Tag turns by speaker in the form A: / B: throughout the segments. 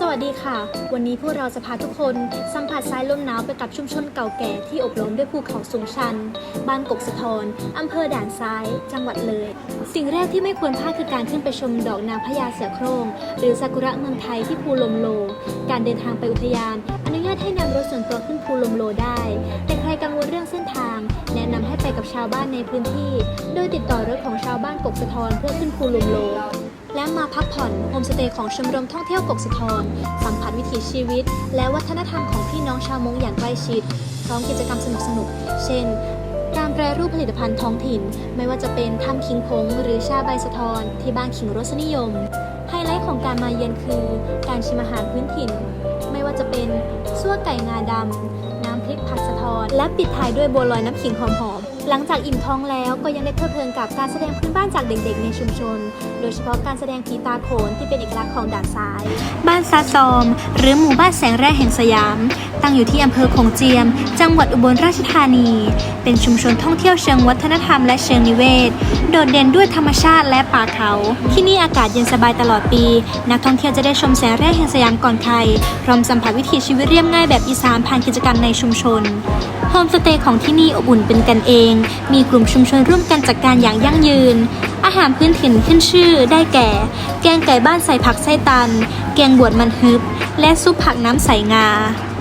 A: วัสดีค่ะวันนี้พวกเราจะพาทุกคนสัมผัสสายลมหนาวไปกับชุมชนเก่าแก่ที่อบล้อมด้วยภูเขาสูงชันบ้านกกสะทอนอำเภอด่านซ้ายจังหวัดเลยสิ่งแรกที่ไม่ควรพลาดคือการขึ้นไปชมดอกนางพญาเสือโคร่งหรือซากุระเมืองไทยที่ภูลมโลการเดินทางไปอุทยานอนุญาตให้นำรถส่วนตัวขึ้นภูลมโลได้แต่ใครกังวลเรื่องเส้นทางแนะนำให้ไปกับชาวบ้านในพื้นที่โดยติดต่อรถของชาวบ้านกกสะทอนเพื่อขึ้นภูลมโลและมาพักผ่อนโฮมสเตย์ของชมรมท่องเที่ยวกกสะทอนสัมผัสวิถีชีวิตและวัฒนธรรมของพี่น้องชาวมงอย่างใกล้ชิดพร้อมกิจกรรมสนุกๆเช่นการแปรรูปผลิตภัณฑ์ท้องถิ่นไม่ว่าจะเป็นทำขิงผงหรือชาใบสะทอนที่บ้านขิงรสนิยมไฮไลท์ของการมาเยือนคือการชิมอาหารพื้นถิ่นไม่ว่าจะเป็นซั่วไก่งาดำน้ำพริกผัดสะทอนและปิดท้ายด้วยบัวลอยน้ำขิงหอมๆหลังจากอิ่มท้องแล้วก็ยังได้เพลิดเพลินกับการแสดงพื้นบ้านจากเด็กๆในชุมชนโดยเฉพาะการแสดงผีตาโขนที่เป็นเอกลักษณ์ของด่านซ้ายบ้านซาซอมหรือหมู่บ้านแสงแร่แห่งสยามตั้งอยู่ที่อำเภอโขงเจียมจังหวัดอุบลราชธานีเป็นชุมชนท่องเที่ยวเชิงวัฒนธรรมและเชิงนิเวศโดดเด่นด้วยธรรมชาติและป่าเขาที่นี่อากาศเย็นสบายตลอดปีนักท่องเที่ยวจะได้ชมแสงแร่แห่งสยามก่อนใครพร้อมสัมผัสวิถีชีวิตเรียบง่ายแบบอีสานผ่านกิจกรรมในชุมชนโฮมสเตย์ของที่นี่อบอุ่นเป็นกันเองมีกลุ่มชุมชนร่วมกันจัดการอย่างยั่งยืนอาหารพื้นถิ่นขึ้นชื่อได้แก่แกงไก่บ้านใส่ผักไส้ตันแกงบวชมันฮึบและซุปผักน้ำใสงา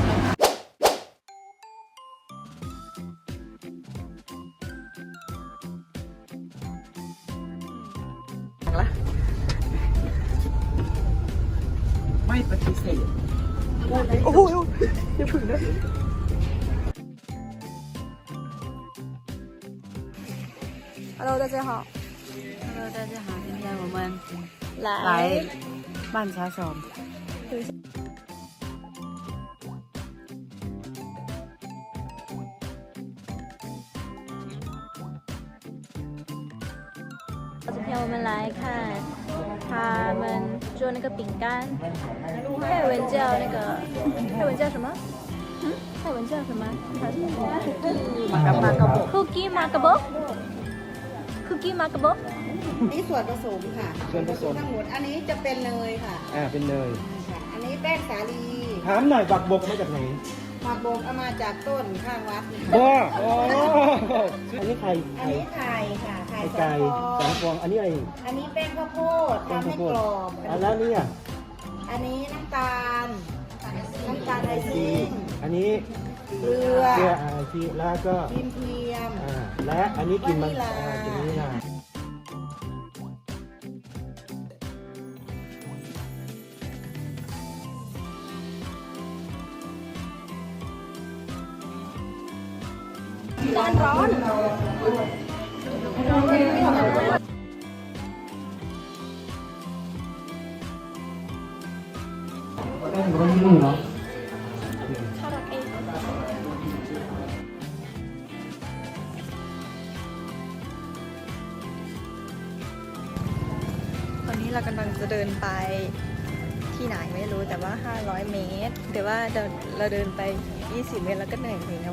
B: ไม่ปฏิเสธโอ้โหอย่าพึ่งนะ
C: Hello， 大家好。Hello， 大家好。今天我们来曼茶手。
A: 今天我们来看他们做那个饼干，泰文叫那个泰文叫什么？泰文叫什么？Cookie Makabo。คุกกี้มากระบอก
D: นี่ส่วนผสมค่ะ
B: ส่วนผสม
D: ทั้งหมดอันนี้จะเป็นเนยค่ะ
B: เป็นเนย
D: ค่ะอันนี้แป้งสาลี
B: ถามหน่อยบักบกมาจากไหน
D: บักบกเอามาจากต้นข้างวัด
B: บ้าอ๋ออันนี้ไข่
D: อันนี้ไข่ค่ะไข่
B: ไก่สองฟองอันนี้อะไร
D: อันนี้แป้งข้าวโพดทำให้กรอบ
B: แล้วนี่อ่ะ
D: อันนี้น้ำตาลไอซิ่ง
B: อันนี้
D: เกลือ
B: ไอซิ่งแล้วก็
D: ครีมเทียม
B: และอันนี้กินมันกินนี่นะ
D: ร้อน
C: ตอนนี้เรากำลังจะเดินไปที่ไหนไม่รู้แต่ว่า500 เมตรแต่ว่าเราเดินไป20 เมตรแล้วก็เหนื่อยแล้ว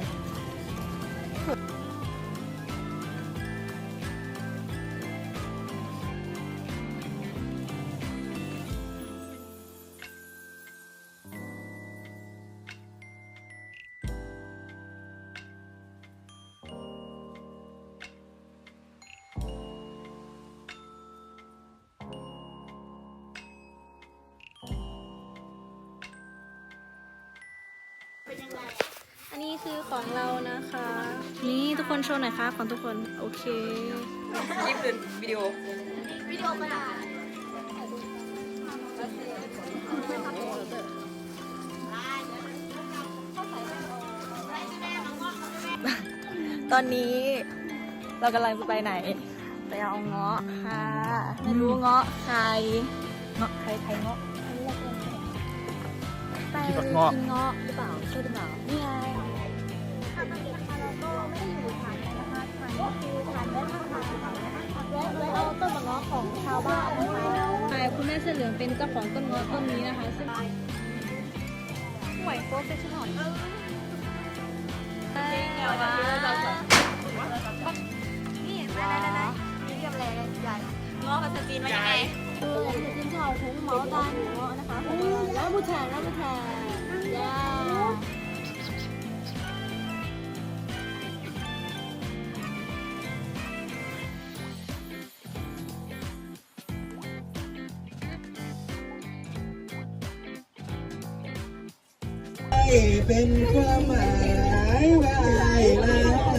A: อันนี้คือของเรานะคะนี่ทุกคนโชว์หน่อยค่ะของทุกคนโอเค
C: คลิปเป็นวิดีโอมาตอนนี้เรากำลังจะไปไหนไปเอาเงาะค่ะไม่รู้เงาะใครเงาะใครเงาะไปกินเงาะหรือเปล่าใช่หรือเปล่านี่ไงเราก็ไม่ได้อยู่ฐานนะคะฐานก็คือฐานแม่ทางและเอาต้นมะเงาะของชาวบ้านนะคะ
A: คุณแม่เสื้อเหลืองเป็นเจ้าของต้นเงาะต้นนี้นะคะซึ่ง
C: ห่วยโป๊ะเป็นชิ้นหน่อยนี่ได้มีเรียบแรงใหญ่เงาะภาษาจีนว่ายังไง
A: คือ金草红毛丹เงาะนะคะแล้วผู้ชาย
E: เป็นความหมายว่าไอ้ลา